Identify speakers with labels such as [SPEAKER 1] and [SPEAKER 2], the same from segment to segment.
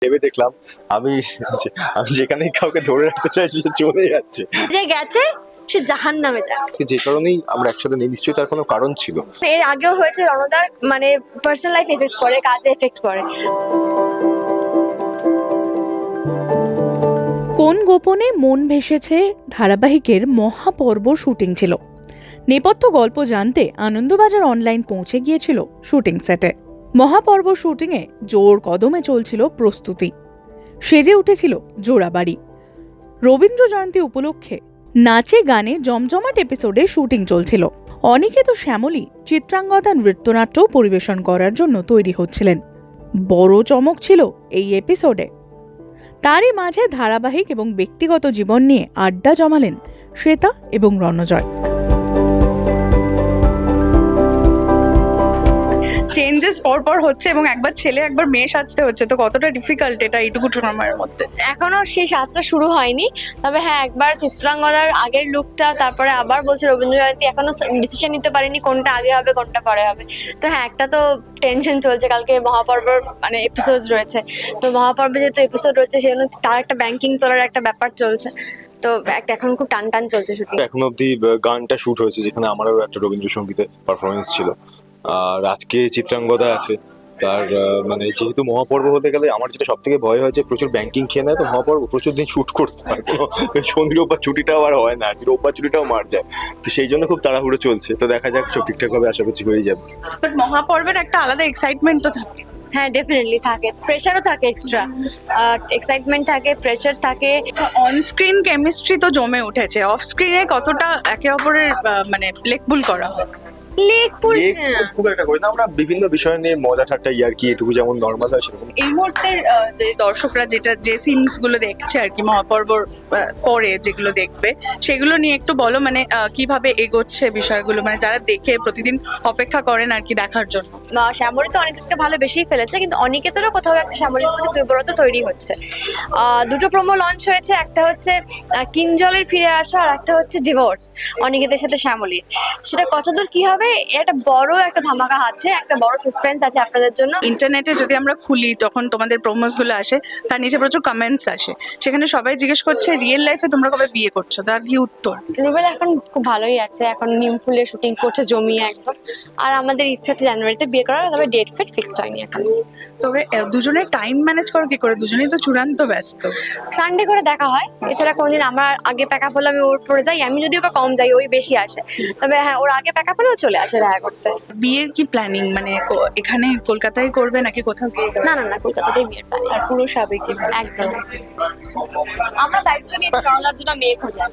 [SPEAKER 1] ভেবে দেখলাম আমি আমি যেখানেই কাউকে ধরে রাখতে চাইছি সে চলে যাচ্ছে।
[SPEAKER 2] যে গেছে সে জাহান্নামে যায়।
[SPEAKER 1] যে কারণেই আমরা একসাথে নেই, নিশ্চয়ই তার কোনো কারণ ছিল।
[SPEAKER 2] এর আগেও হয়েছে, রণদার মানে পার্সোনাল লাইফ এফেক্ট করে, কাজে এফেক্ট করে।
[SPEAKER 3] কোন গোপনে মন ভেসেছে ধারাবাহিকের মহাপর্ব শুটিং ছিল। নেপথ্য গল্প জানতে আনন্দবাজার অনলাইন পৌঁছে গিয়েছিল শুটিং সেটে। মহাপর্ব শুটিংয়ে জোর কদমে চলছিল প্রস্তুতি, সেজে উঠেছিল জোড়াবাড়ি। রবীন্দ্র জয়ন্তী উপলক্ষে নাচে গানে জমজমাট এপিসোডে শুটিং চলছিল। অনিকেত শ্যামলী চিত্রাঙ্গদা নৃত্যনাট্য পরিবেশন করার জন্য তৈরি হচ্ছিলেন। বড় চমক ছিল এই এপিসোডে। তারই মাঝে ধারাবাহিক এবং ব্যক্তিগত জীবন নিয়ে আড্ডা জমালেন শ্বেতা এবং রণজয়।
[SPEAKER 4] চেঞ্জেস পরপর হচ্ছে এবং একবার ছেলে একবার মেয়ে সাজতে হচ্ছে, তো কতটা ডিফিকাল্ট এটা এইটুকু সময়ের মধ্যে।
[SPEAKER 2] এখনো সেই সাজটা শুরু হয়নি, তবে হ্যাঁ একবার চিত্রাঙ্গদার আগের লুকটা, তারপরে আবার বলছে রবীন্দ্র জয়ন্তী, এখনো ডিসিশন নিতে পারিনি কোনটা আগে হবে কোনটা পরে হবে। তো হ্যাঁ একটা তো টেনশন চলছে, কালকে মহাপর্বর মানে এপিসোড রয়েছে, তো মহাপর্বে যেহেতু এপিসোড রয়েছে সেজন্য তার একটা ব্যাংকিং তোলার একটা ব্যাপার চলছে, তো একটা এখন খুব টান টান চলছে শুটিং।
[SPEAKER 1] এখনো অব্দি গানটা শুট হয়েছে, যেখানে আমারও একটা রবীন্দ্রসঙ্গীতের পারফরমেন্স ছিল। আর আজকে চিত্রাঙ্গদা আছে তার মানে যেহেতু মহাপর্ব হতে গেলে আমার যেটা সব থেকে ভয় হয়েছে, প্রচুর ব্যাংকিং খেয়ে নেয় তো মহাপর্ব, প্রচুর দিন শুট করতে হয়, শনি রোববার ছুটিটাও আর হয় না, আর কি রোববার ছুটিটাও মার যায়, তো সেই জন্য খুব তাড়াহুড়ো চলছে। তো দেখা যাক সব ঠিকঠাক ভাবে আশা করছি হয়ে যাবে।
[SPEAKER 4] বাট মহাপর্বের একটা আলাদা এক্সাইটমেন্ট তো থাকে।
[SPEAKER 2] হ্যাঁ ডেফিনেটলি থাকে, প্রেশারও থাকে, এক্সট্রা এক্সাইটমেন্ট থাকে, প্রেশার থাকে।
[SPEAKER 4] অন স্ক্রিন কেমিস্ট্রি তো জমে উঠেছে, অফ স্ক্রিনে কতটা একে অপরের মানে লেকবুল করা হয়?
[SPEAKER 2] লেকপুল
[SPEAKER 1] খুব একটা করি না আমরা, বিভিন্ন বিষয় নিয়ে মজা ঠাট্টা ইয়ার্কি এটুকু যেমন নর্মাল হয় সেরকম।
[SPEAKER 4] এই মুহূর্তের যে দর্শকরা যে সিনস গুলো দেখছে আর কি মহাপর্বর পরে যেগুলো দেখবে, সেগুলো নিয়ে একটু বলো, মানে কিভাবে এগোচ্ছে বিষয়গুলো, মানে যারা দেখে প্রতিদিন অপেক্ষা করেন আর কি দেখার জন্য।
[SPEAKER 2] শ্যামলী তো অনেকটা ভালোবেসেই ফেলেছে, কিন্তু অনিকেতেরও কোথাও একটা শ্যামলীর মধ্যে দুর্বলতা তৈরি হচ্ছে। দুটো প্রোমো লঞ্চ হয়েছে, একটা হচ্ছে কিঞ্জলের ফিরে আসা, আর একটা হচ্ছে ডিভোর্স অনিকেতের সাথে শ্যামলীর। সেটা কতদূর কি হবে, এটা বড় একটা ধামাকা আছে, একটা বড় সাসপেন্স আছে আপনাদের জন্য।
[SPEAKER 4] ইন্টারনেটে যদি আমরা খুলি তখন তোমাদের প্রোমোস গুলো আসে, তার নিচে প্রচুর কমেন্টস আসে, সেখানে সবাই জিজ্ঞেস করছে রিয়েল লাইফে তোমরা কবে বিয়ে করছো, তার কি উত্তর?
[SPEAKER 2] রুবেল এখন খুব ভালোই আছে, এখন নিমফুলে শুটিং করছে জমিয়ে একদম। আর আমাদের ইচ্ছা আছে জানুয়ারিতে বিয়ে করার, তবে ডেট ফিট ফিক্সড হয়নি এখন।
[SPEAKER 4] তবে দুজনের টাইম ম্যানেজ করো কি করে? দুজনেই তো চূড়ান্ত ব্যস্ত।
[SPEAKER 2] সানডে করে দেখা হয়, এছাড়া কোনদিন আমার আগে প্যাক আপ হলে আমি ওর পরে যাই, আমি যদিও বা কম যাই, ওই বেশি আসে। তবে হ্যাঁ ওর আগে প্যাক আপ হলেও চলে আসে দেখা করতে।
[SPEAKER 4] বিয়ের কি প্ল্যানিং, মানে এখানে কলকাতায় করবে নাকি কোথাও গিয়ে?
[SPEAKER 2] না না না, কলকাতাতেই বিয়ের প্ল্যান।
[SPEAKER 4] আর পুরো সাবেকি?
[SPEAKER 2] একদম, আমরা দায়িত্ব নিয়েছি রণদার জন্য মেয়ে খোঁজা।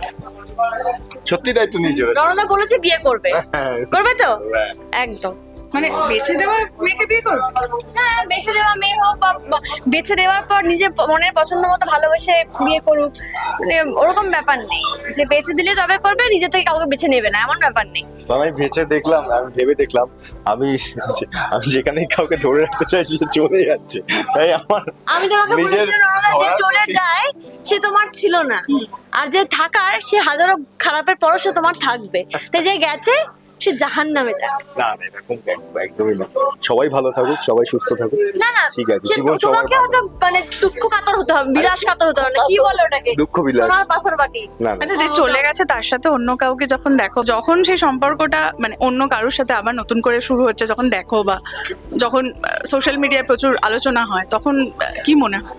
[SPEAKER 1] সত্যি দায়িত্ব নিয়েছে ওরা।
[SPEAKER 2] রণদা বলেছে বিয়ে করবে, করবে তো
[SPEAKER 1] হ্যাঁ।
[SPEAKER 2] একদম।
[SPEAKER 4] মানে বেছে দেওয়া মেয়েকে বিয়ে করবে?
[SPEAKER 2] হ্যাঁ বেছে দেওয়া মেয়ে হোক বা বেছে দেওয়ার পর নিজে মনের পছন্দ মতো ভালোবেসে বিয়ে করুক, মানে ওরকম ব্যাপার নেই যে বেছে দিলে তবে করবে, নিজে থেকে কাউকে বেছে নেবে না, এমন ব্যাপার নেই।
[SPEAKER 1] তো আমি ভেবে দেখলাম আমি যেখানেই কাউকে ধরে রাখতে চাইছি সে চলে যাচ্ছে, তাই আমার
[SPEAKER 2] আমি তোমাকে
[SPEAKER 1] নিজের
[SPEAKER 2] বলেছিলাম রণদা, যে চলে যায় সে তোমার ছিল না, আর যে থাকার সে হাজারো খারাপের পরও সে তোমার থাকবে, তাই যে গেছে সে জাহান্নামে যায়।
[SPEAKER 1] না না এরকম একদমই না, সবাই ভালো থাকুক, সবাই সুস্থ থাকুক।
[SPEAKER 2] না না
[SPEAKER 1] ঠিক আছে,
[SPEAKER 2] সে
[SPEAKER 1] জীবন সবার
[SPEAKER 2] তোমাকে হয়তো মানে দুঃখ কাতর হতে হবে, বিলাস কাতর হতে হবে না, কি বলে ওটাকে,
[SPEAKER 1] দুঃখ বিলাস।
[SPEAKER 2] সোনার পাথর বাটি।
[SPEAKER 1] না না
[SPEAKER 4] আচ্ছা, যে চলে গেছে তার সাথে অন্য কাউকে যখন দেখো, যখন সেই সম্পর্কটা মানে অন্য কারোর সাথে আবার নতুন করে শুরু হচ্ছে যখন দেখো, বা যখন সোশ্যাল মিডিয়ায় প্রচুর আলোচনা হয়, তখন কি মনে হয়?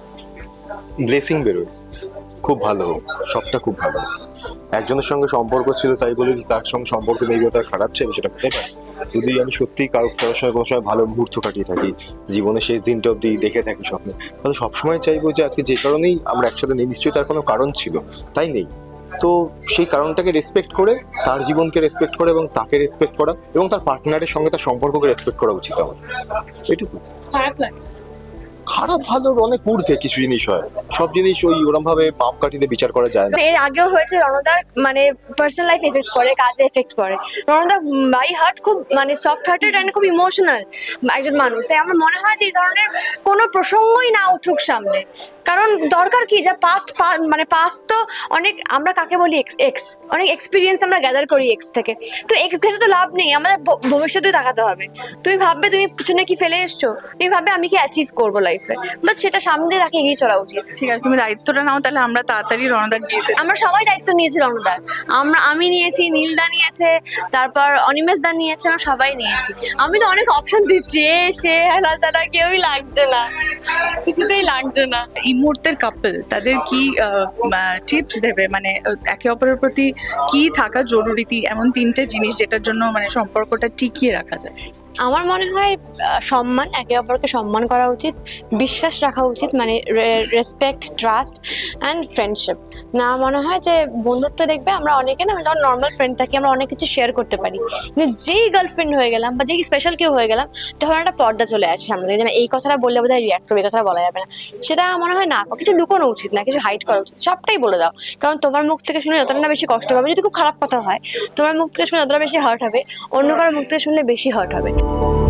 [SPEAKER 1] ব্লেসিং বেরোয়, খুব ভালো হোক, সবটা খুব ভালো হোক। একজনের সঙ্গে সম্পর্ক ছিল তাই বলে কি তার সঙ্গে সম্পর্ক নেই তার খারাপ চাই, সেটা হতে পারে। যদি আমি সত্যিই কারোর সঙ্গে কোনো সময় ভালো মুহূর্ত কাটিয়ে থাকি, জীবনে শেষ দিনটা অব্দি দেখে থাকি স্বপ্নে, তাহলে সবসময় চাইবো যে আজকে যে কারণেই আমরা একসাথে নেই, নিশ্চয়ই তার কোনো কারণ ছিল, তাই নেই। তো সেই কারণটাকে রেসপেক্ট করে, তার জীবনকে রেসপেক্ট করে এবং তাকে রেসপেক্ট করা এবং তার পার্টনারের সঙ্গে তার সম্পর্ককে রেসপেক্ট করা উচিত আমার, এটুকু।
[SPEAKER 4] খারাপ লাগছে?
[SPEAKER 1] খারাপ ভালোর অনেক ঊর্ধ্বে কিছু জিনিস হয়, সব জিনিস ওই ওরম ভাবে মাপকাঠিতে বিচার করা যায় না।
[SPEAKER 2] এর আগেও হয়েছে রণদার মানে পার্সোনাল লাইফ এফেক্ট করে, কাজে এফেক্ট করে। রণদা বাই হার্ট খুব মানে সফট হার্টেড অ্যান্ড খুব ইমোশনাল একজন মানুষ, তাই আমার মনে হয় যে এই ধরনের কোনো প্রসঙ্গই না উঠুক সামনে। কারণ দরকার কি, যা পাস্ট মানে পাস্ট তো অনেক, আমরা কাকে বলি এক্স, অনেক এক্সপিরিয়েন্স আমরা গ্যাদার করি এক্স থেকে। তো এক্স ঘেটে তো লাভ নেই, আমাদের ভবিষ্যতে তাকাতে হবে। তুমি ভাববে তুমি পিছনে কি ফেলে এসছো, তুমি ভাববে আমি কি অ্যাচিভ করবো লাইফে, বাট সেটা সামনে দিয়ে তাকে এগিয়ে চলা উচিত।
[SPEAKER 4] ঠিক আছে, তুমি দায়িত্বটা নাও, তাহলে আমরা তাড়াতাড়ি রণদার বিয়েতে
[SPEAKER 2] আমরা সবাই দায়িত্ব নিয়েছি রণদার, আমি নিয়েছি, নীলদা নিয়েছে, তারপর অনিমেষ দা নিয়েছে, আমরা সবাই নিয়েছি। আমি তো অনেক অপশন দিচ্ছি, সে হেলা তালা, কেউই লাগছে না, কিছুতেই লাগছে না।
[SPEAKER 4] এই মুহূর্তের কাপল তাদের কি টিপস দেবে, মানে একে অপরের প্রতি কি থাকা জরুরি, এমন 3টে জিনিস যেটার জন্য মানে সম্পর্কটা টিকিয়ে রাখা যায়?
[SPEAKER 2] আমার মনে হয় সম্মান, একে অপরকে সম্মান করা উচিত, বিশ্বাস রাখা উচিত, মানে রেসপেক্ট, ট্রাস্ট অ্যান্ড ফ্রেন্ডশিপ। না মনে হয় যে বন্ধুত্ব দেখবে আমরা অনেকে না যখন নর্মাল ফ্রেন্ড থাকি আমরা অনেক কিছু শেয়ার করতে পারি, কিন্তু যেই গার্লফ্রেন্ড হয়ে গেলাম বা যেই স্পেশাল কেউ হয়ে গেলাম তখন একটা পর্দা চলে আসে সামনে থেকে, যে এই কথাটা বললে বোধহয় রিয়াক্ট করবে, এই কথাটা বলা যাবে না। সেটা মনে হয় না, কিছু লুকোনো উচিত না, কিছু হাইড করা উচিত, সবটাই বলে দাও। কারণ তোমার মুখ থেকে শুনে যতটা না বেশি কষ্ট পাবে, যদি খুব খারাপ কথা হয় তোমার মুখ থেকে শুনে যতটা বেশি হার্ট হবে, অন্য কারোর মুখ থেকে শুনলে বেশি হার্ট হবে।